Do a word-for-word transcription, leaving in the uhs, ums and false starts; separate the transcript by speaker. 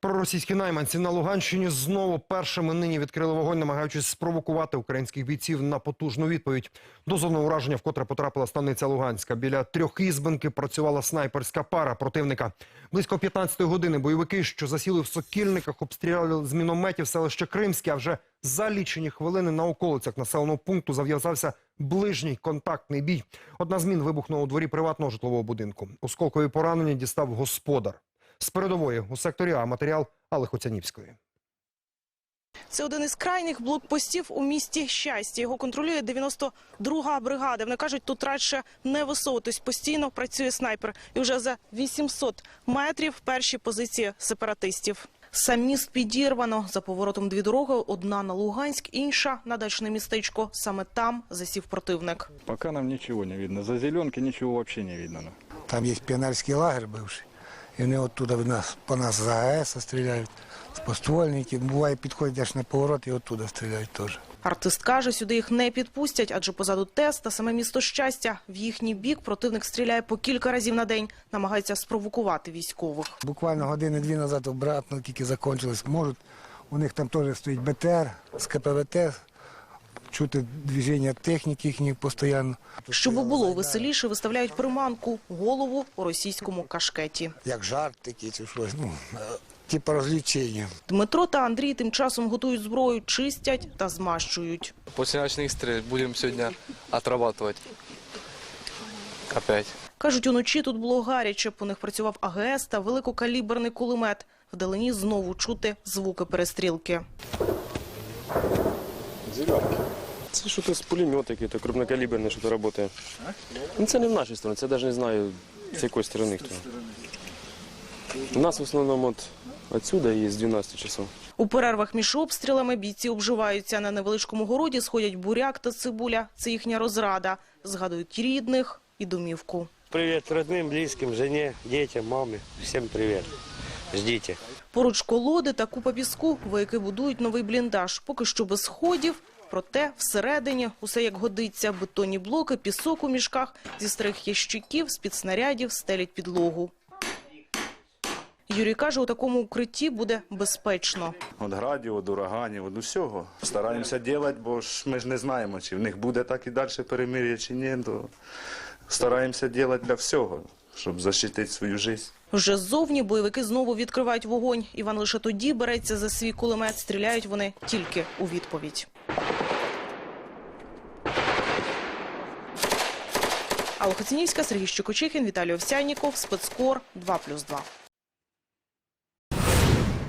Speaker 1: Проросійські найманці на Луганщині знову першими нині відкрили вогонь, намагаючись спровокувати українських бійців на потужну відповідь. До зони ураження вкотре потрапила станиця Луганська. Біля трьохізбинки працювала снайперська пара противника. Близько п'ятнадцятої години бойовики, що засіли в Сокільниках, обстріляли з мінометів селище Кримське, а вже за лічені хвилини на околицях населеного пункту зав'язався ближній контактний бій. Одна з мін вибухнула у дворі приватного житлового будинку. Осколкові поранення дістав господар. З передової у секторі А матеріал Алли Хоцянівської.
Speaker 2: Це один із крайніх блокпостів у місті Щастя. Його контролює дев'яносто друга бригада. Вони кажуть, тут радше не висовуватись. Постійно працює снайпер. І вже за вісімсот метрів перші позиції сепаратистів. Сам міст підірвано. За поворотом дві дороги. Одна на Луганськ, інша на дачне містечко. Саме там засів противник.
Speaker 3: Поки нам нічого не видно. За зеленки нічого взагалі не видно.
Speaker 4: Там є піонерський лагерь бивший. І вони оттуда нас, по нас з АЕС стріляють, з поствольників. Буває, підходять аж на поворот і оттуда стріляють теж.
Speaker 2: Артист каже, сюди їх не підпустять, адже позаду ТЕС та саме місто Щастя. В їхній бік противник стріляє по кілька разів на день, намагається спровокувати військових.
Speaker 4: Буквально години-дві назад обратно тільки закінчилось. Можуть, у них там теж стоїть БТР з КПВТ, чути движення техніки їхніх постійно.
Speaker 2: Щоб було веселіше, виставляють приманку – голову у російському кашкеті.
Speaker 4: Як жарт такий чи щось, ну, типу розвлечення.
Speaker 2: Дмитро та Андрій тим часом готують зброю, чистять та змащують.
Speaker 5: Після ночних стрільб будемо сьогодні отрабатувати. Опять.
Speaker 2: Кажуть, уночі тут було гаряче, по них працював АГС та великокаліберний кулемет. Вдалині знову чути звуки перестрілки.
Speaker 6: Це щось з пулемета, який крупнокаліберне, що то працює. Ну, це не в нашій стороні, це навіть не знаю, з якої сторони хто. У нас в основному от відсюди і з дванадцяти часов.
Speaker 2: У перервах між обстрілами бійці обживаються. На невеличкому городі сходять буряк та цибуля. Це їхня розрада. Згадують рідних і домівку.
Speaker 7: Привіт родним, близьким, жені, дітям, мамі. Всім привіт. Ждіть.
Speaker 2: Поруч колоди та купа піску, вояки будують новий бліндаж. Поки що без сходів, проте всередині усе як годиться. Бетонні блоки, пісок у мішках, зі старих ящиків, з-під снарядів стелять підлогу. Юрій каже, у такому укритті буде безпечно.
Speaker 8: Від градів, від ураганів, від усього. Стараємося робити, бо ж ми ж не знаємо, чи в них буде так і далі перемир'я, чи ні. То стараємося робити для всього, щоб захистити свою життя.
Speaker 2: Вже ззовні бойовики знову відкривають вогонь. Іван лише тоді береться за свій кулемет. Стріляють вони тільки у відповідь. Алла Хоцянівська, Сергій Щекочихін, Віталій Овсянніков, Спецкор, два плюс два.